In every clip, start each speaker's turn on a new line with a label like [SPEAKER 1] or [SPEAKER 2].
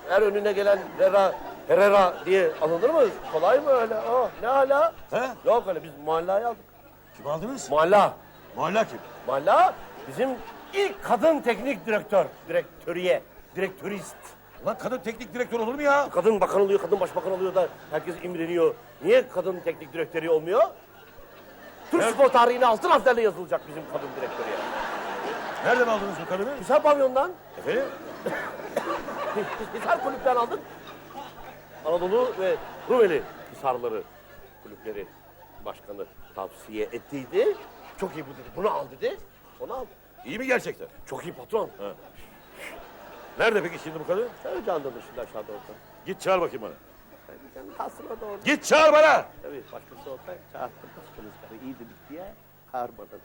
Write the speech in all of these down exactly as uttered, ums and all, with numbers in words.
[SPEAKER 1] her önüne gelen Herrera, Herrera diye alınır mı? Kolay mı öyle? Aa, ne hala?
[SPEAKER 2] He?
[SPEAKER 1] Yok öyle, biz Muhalla'yı aldık.
[SPEAKER 2] Kim aldınız?
[SPEAKER 1] Muhalla.
[SPEAKER 2] Muhalla kim?
[SPEAKER 1] Muhalla bizim ilk kadın teknik direktör. Direktöriye, direktörist.
[SPEAKER 2] Lan kadın teknik direktör olur mu ya?
[SPEAKER 1] Kadın bakan oluyor, kadın başbakan oluyor da herkes imreniyor. Niye kadın teknik direktörü olmuyor? Türk
[SPEAKER 2] Evet.
[SPEAKER 1] spor tarihine altın harflerle yazılacak bizim kadın direktörüye.
[SPEAKER 2] Nereden aldınız bu kadını?
[SPEAKER 1] Hisar pavyondan.
[SPEAKER 2] Efendim?
[SPEAKER 1] Biz Hisar kulüpten aldık. Anadolu ve Rumeli Hisarları kulüpleri başkanı tavsiye ettiydi. Çok iyi bu dedi. Bunu al dedi. Onu al.
[SPEAKER 2] İyi mi gerçekten?
[SPEAKER 1] Çok iyi patron.
[SPEAKER 2] Ha. Nerede peki şimdi bu kadın?
[SPEAKER 1] Sen canlı dışında aşağıda olsa.
[SPEAKER 2] Git çağır bakayım bana.
[SPEAKER 1] Sen kalsın o da orada.
[SPEAKER 2] Git çağır bana!
[SPEAKER 1] Tabii başkası olsa çağırttım. Başkanız karı iyi dedik diye çağırmadım.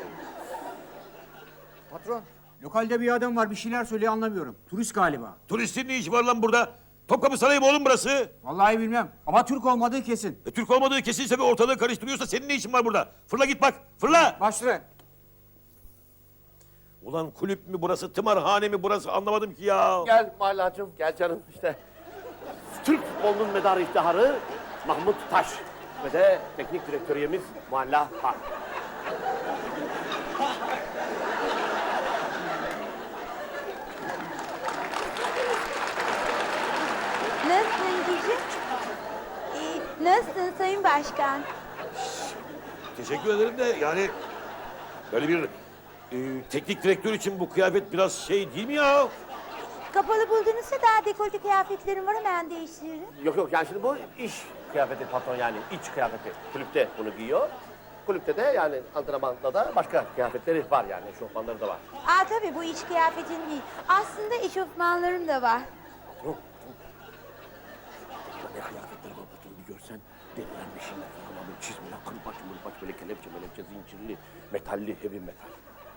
[SPEAKER 3] Patron, lokalde bir adam var bir şeyler söylüyor anlamıyorum. Turist galiba.
[SPEAKER 2] Turistin ne işi var lan burada? Topkapı Sarayı mı oğlum burası?
[SPEAKER 3] Vallahi bilmem ama Türk olmadığı kesin.
[SPEAKER 2] E, Türk olmadığı kesinse ve ortalığı karıştırıyorsa senin ne işin var burada? Fırla git bak, fırla!
[SPEAKER 3] Başla.
[SPEAKER 2] Ulan kulüp mü burası, tımarhane mi burası anlamadım ki ya.
[SPEAKER 1] Gel Mahallacığım, gel canım işte. Türk futbolunun medarı iftiharı Mahmut Taş ve de teknik direktöriyemiz Muhalla Park.
[SPEAKER 4] Nasılsın Cici? Ee, nasılsın Sayın Başkan?
[SPEAKER 2] Teşekkür ederim de yani böyle bir e, teknik direktör için bu kıyafet biraz şey değil mi ya?
[SPEAKER 4] Kapalı buldunuzsa daha dekolte kıyafetlerim var, hemen değiştiririm.
[SPEAKER 1] Yok yok, yani şimdi bu iş kıyafeti patron, yani iç kıyafeti. Kulüpte bunu giyiyor. Kulüpte de yani antrenmanda da başka kıyafetleri var, yani eşofmanları da var.
[SPEAKER 4] Aa tabii, bu iç kıyafetin değil. Aslında eşofmanlarım da var.
[SPEAKER 1] Patron, ne kıyafetleri var patron, bir görsen. Delilenmişinler falan, böyle çizmeler, kırbaç mırbaç, böyle kelepçe melepçe, zincirli, metalli, heavy metal.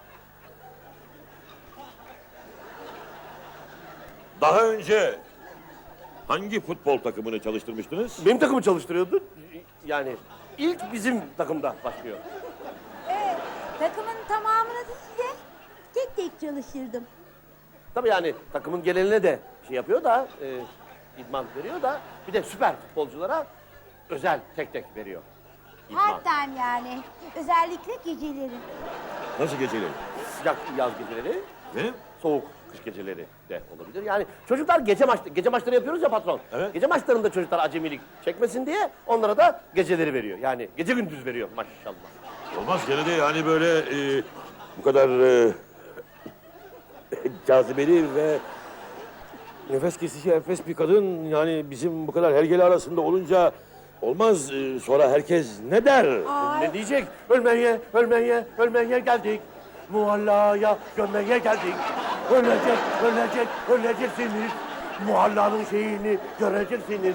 [SPEAKER 2] Daha önce hangi futbol takımını çalıştırmıştınız?
[SPEAKER 1] Benim takımı çalıştırıyordu. Yani ilk bizim takımda başlıyor.
[SPEAKER 4] Evet, takımın tamamını değil de tek tek çalıştırdım.
[SPEAKER 1] Tabii yani takımın geneline de şey yapıyor da, e, idman veriyor da, bir de süper futbolculara özel tek tek veriyor. İdman.
[SPEAKER 4] Part time yani. Özellikle geceleri.
[SPEAKER 2] Nasıl geceleri?
[SPEAKER 1] Sıcak yaz geceleri,
[SPEAKER 2] Benim?
[SPEAKER 1] soğuk kış geceleri de olabilir. Yani çocuklar gece maç gece maçları yapıyoruz ya patron.
[SPEAKER 2] Evet.
[SPEAKER 1] Gece maçlarında çocuklar acemilik çekmesin diye onlara da geceleri veriyor. Yani gece gündüz veriyor maşallah.
[SPEAKER 2] Olmaz gene de yani böyle e, bu kadar e, cazibeli ve nefes kesici enfes bir kadın yani bizim bu kadar hergele arasında olunca olmaz. E, sonra herkes ne der?
[SPEAKER 4] Ay.
[SPEAKER 1] Ne diyecek? Ölmeye, ölmeye, ölmeye geldik. Muhallaya gömmeye geldik. Ölecek, ölecek, öleceksiniz. Muhallanın şeyini göreceksiniz.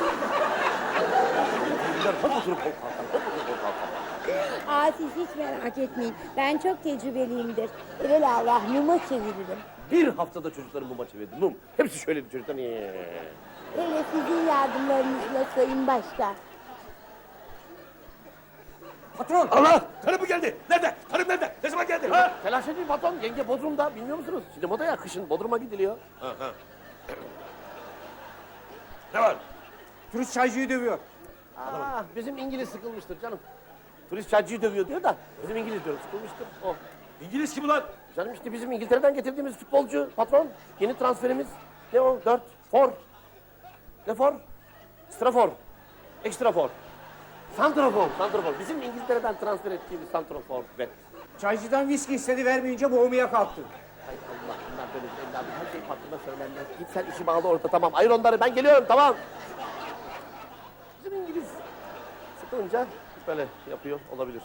[SPEAKER 1] Hop oturup hop kalkan, hop oturup hop kalkan.
[SPEAKER 4] Aa, siz hiç merak etmeyin. Ben çok tecrübeliyimdir. Evelallah muma çeviririm.
[SPEAKER 1] Bir haftada çocukların muma çevirdi, mum. Hepsi şöyleydi çocuklar. Ee.
[SPEAKER 4] Hele sizin yardımlarınızla Sayın Başkan.
[SPEAKER 3] Patron.
[SPEAKER 2] Allah! Karım mı geldi? Nerede? Karım nerede? Ne zaman geldi? Ha?
[SPEAKER 1] Telaş etmeyin patron, yenge Bodrum'da, bilmiyor musunuz? Şimdi moda ya, kışın Bodrum'a gidiliyor.
[SPEAKER 2] Ha, ha. Ne var?
[SPEAKER 3] Turist çaycıyı dövüyor.
[SPEAKER 1] Aa, bizim İngiliz sıkılmıştır canım. Turist çaycıyı dövüyor diyor da, bizim İngiliz diyor, sıkılmıştır o.
[SPEAKER 2] İngiliz kim ulan?
[SPEAKER 1] Canım işte bizim İngiltere'den getirdiğimiz futbolcu patron. Yeni transferimiz. Ne o? Dört. For. Ne for? Strafor. Ekstrafor. Santrafor. Santrafor. Bizim İngiltere'den transfer ettiğimiz santrafor. Ve
[SPEAKER 3] Çaycıdan viski istedi, vermeyince boğmaya kalktı.
[SPEAKER 1] hay Allah, bunlar böyle bir evladım. Her şey patrona söylenmez. Git sen işi bağlı orada, tamam. Ayır onları, ben geliyorum, tamam. Bizim İngiliz sıkılınca böyle yapıyor, olabilir.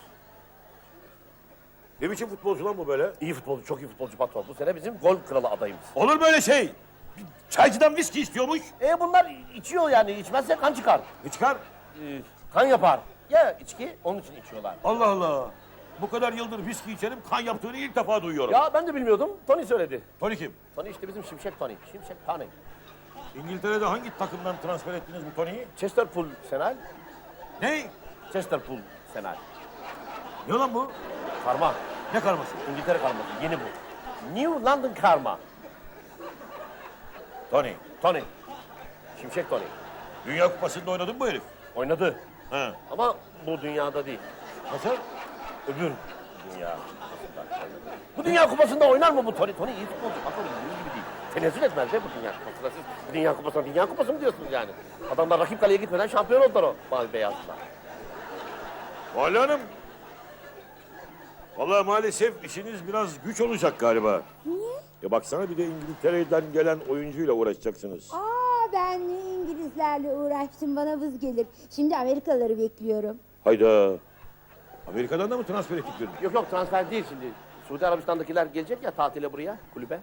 [SPEAKER 2] Ne biçim futbolcu lan bu böyle?
[SPEAKER 1] İyi futbolcu, çok iyi futbolcu patron. Bu sene bizim gol kralı adayımız.
[SPEAKER 2] Olur böyle şey. Bir çaycıdan viski istiyormuş.
[SPEAKER 1] E bunlar içiyor yani, içmezse kan çıkar.
[SPEAKER 2] Ne çıkar?
[SPEAKER 1] Ee, kan yapar. Ya içki, onun için içiyorlar.
[SPEAKER 2] Allah Allah. Bu kadar yıldır viski içerim, kan yaptığını ilk defa duyuyorum.
[SPEAKER 1] Ya ben de bilmiyordum, Tony söyledi.
[SPEAKER 2] Tony kim?
[SPEAKER 1] Tony işte bizim Şimşek Tony, Şimşek Tony.
[SPEAKER 2] İngiltere'de hangi takımdan transfer ettiniz bu Tony'yi?
[SPEAKER 1] Chesterpool Senal,
[SPEAKER 2] Ne?
[SPEAKER 1] Chesterpool Senal.
[SPEAKER 2] Ne lan bu?
[SPEAKER 1] Karma,
[SPEAKER 2] Ne karması?
[SPEAKER 1] İngiltere karması, yeni bu. New London karma.
[SPEAKER 2] Tony.
[SPEAKER 1] Tony. Şimşek Tony.
[SPEAKER 2] Dünya Kupası'nda oynadın mı bu herif?
[SPEAKER 1] Oynadı.
[SPEAKER 2] Ha.
[SPEAKER 1] Ama bu dünyada değil.
[SPEAKER 2] Nasıl?
[SPEAKER 1] Öbür dünya kupasında oynadı. Bu dünya kupasında oynar mı bu Tony? Tony iyi futbolcu. Bakın bizim gibi değil. Tenezzül etmez be bu dünya kupasında. Siz bu dünya kupasına dünya kupası mı diyorsunuz yani? Adamlar rakip kaleye gitmeden şampiyon oldular o mavi beyazlar.
[SPEAKER 2] Vali Hanım. Vallahi maalesef işiniz biraz güç olacak galiba.
[SPEAKER 4] Niye?
[SPEAKER 2] Ya baksana bir de İngiltere'den gelen oyuncuyla uğraşacaksınız.
[SPEAKER 4] Aa ben İngilizlerle uğraştım bana vız gelir. Şimdi Amerikalıları bekliyorum.
[SPEAKER 2] Hayda. Amerika'dan da mı transfer ettik birini?
[SPEAKER 1] Yok yok transfer değil şimdi. Suudi Arabistan'dakiler gelecek ya tatile buraya, kulübe.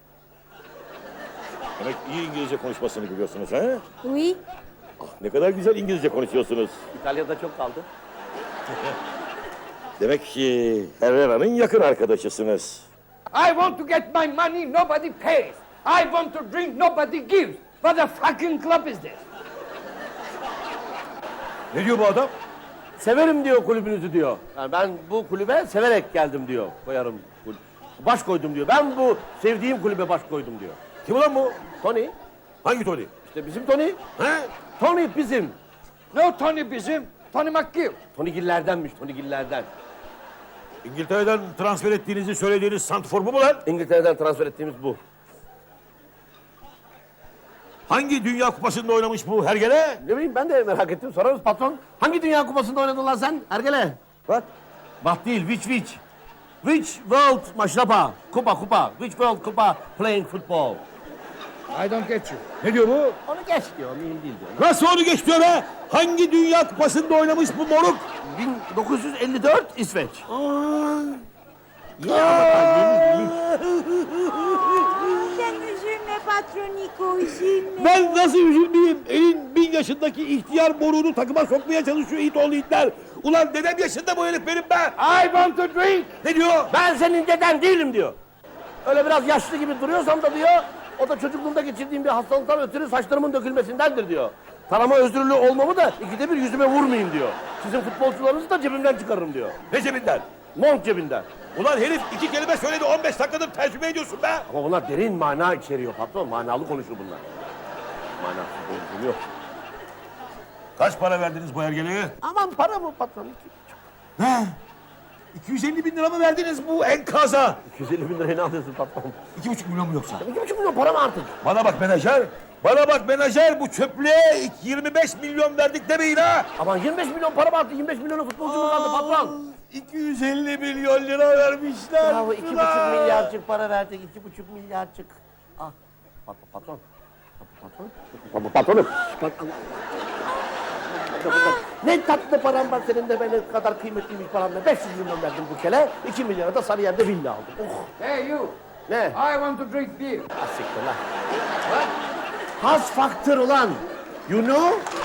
[SPEAKER 2] Demek iyi İngilizce konuşmasını biliyorsunuz ha?
[SPEAKER 4] Oui.
[SPEAKER 2] Ah, ne kadar güzel İngilizce konuşuyorsunuz.
[SPEAKER 1] İtalya'da çok kaldı.
[SPEAKER 2] Demek ki Herrera'nın yakın arkadaşısınız.
[SPEAKER 5] I want to get my money, nobody pays. I want to drink, nobody gives. What a fucking club is this?
[SPEAKER 2] Ne diyor bu adam?
[SPEAKER 1] Severim diyor kulübünüzü diyor. Yani ben bu kulübe severek geldim diyor. Koyarım. kul- Baş koydum diyor. Ben bu sevdiğim kulübe baş koydum diyor.
[SPEAKER 2] Kim ulan bu?
[SPEAKER 1] Tony.
[SPEAKER 2] Hangi Tony?
[SPEAKER 1] İşte bizim Tony.
[SPEAKER 2] He?
[SPEAKER 1] Tony bizim.
[SPEAKER 5] No Tony bizim, Tony McGill.
[SPEAKER 1] Tony Giller'denmiş, Tony Giller'den.
[SPEAKER 2] İngiltere'den transfer ettiğinizi söylediğiniz santrfor bu mu lan?
[SPEAKER 1] İngiltere'den transfer ettiğimiz bu.
[SPEAKER 2] Hangi Dünya Kupası'nda oynamış bu hergele?
[SPEAKER 1] Ne bileyim ben de merak ettim. Sorarız patron. Hangi dünya kupasında oynadın lan sen? Ergele.
[SPEAKER 2] Bak.
[SPEAKER 1] Bak değil, which which? Which world maşrapa? Kupa kupa. Which world kupa playing football?
[SPEAKER 5] I don't get you.
[SPEAKER 2] Ne diyor bu?
[SPEAKER 1] Onu geç diyor, mühim değil diyor.
[SPEAKER 2] Nasıl onu geç diyor be? Hangi Dünya Kupası'nda oynamış bu moruk?
[SPEAKER 1] bin dokuz yüz elli dört İsveç.
[SPEAKER 4] Sen üzülme patroniko üzülme.
[SPEAKER 2] Ben nasıl üzülmeyeyim? Elin bin yaşındaki ihtiyar moruğunu takıma sokmaya çalışıyor it oğlu itler. Ulan dedem yaşında bu herif benim be.
[SPEAKER 5] I want to drink.
[SPEAKER 2] Ne diyor?
[SPEAKER 1] Ben senin deden değilim diyor. Öyle biraz yaşlı gibi duruyorsam da diyor, o da çocukluğumda geçirdiğim bir hastalıktan ötürü saçlarımın dökülmesindendir diyor. Tarama özürlü olmamı da ikide bir yüzüme vurmayayım diyor. Sizin futbolcularınızı da cebimden çıkarırım diyor.
[SPEAKER 2] Ne cebinden?
[SPEAKER 1] Mont cebinden.
[SPEAKER 2] Ulan herif iki kelime söyledi on beş dakikadır tercüme ediyorsun be.
[SPEAKER 1] Ama bunlar derin mana içeriyor patron. Manalı konuşur bunlar. Manasız konuşur yok.
[SPEAKER 2] Kaç para verdiniz bu hergeleye?
[SPEAKER 1] Aman para mı patron?
[SPEAKER 2] Ne? iki yüz elli bin lira mı verdiniz bu enkaza?
[SPEAKER 1] iki yüz elli bin liraya ne alıyorsun patron?
[SPEAKER 2] iki buçuk milyon mu yoksa?
[SPEAKER 1] iki buçuk milyon para mı artık?
[SPEAKER 2] Bana bak menajer. Bana bak menajer bu çöplüğe yirmi beş milyon verdik demeyin ha.
[SPEAKER 1] Aman yirmi beş milyon para mı arttı? yirmi beş milyonu futbolcu mu kaldı patron?
[SPEAKER 2] iki yüz elli milyon lira vermişler.
[SPEAKER 1] Bravo, iki buçuk milyarcık para verdik. iki buçuk milyarcık. Ah, pat, patron. Patron. Patron. Patronum. Patron. Ne tatlı param var senin de benim kadar kıymetliymiş param var. beş yüz milyon verdim bu kele. iki milyona da Sarıyer'de villa aldım. Oh.
[SPEAKER 5] Hey you,
[SPEAKER 1] Ne?
[SPEAKER 5] I want to drink beer.
[SPEAKER 1] Asiktir lan. Has faktör ulan. You know?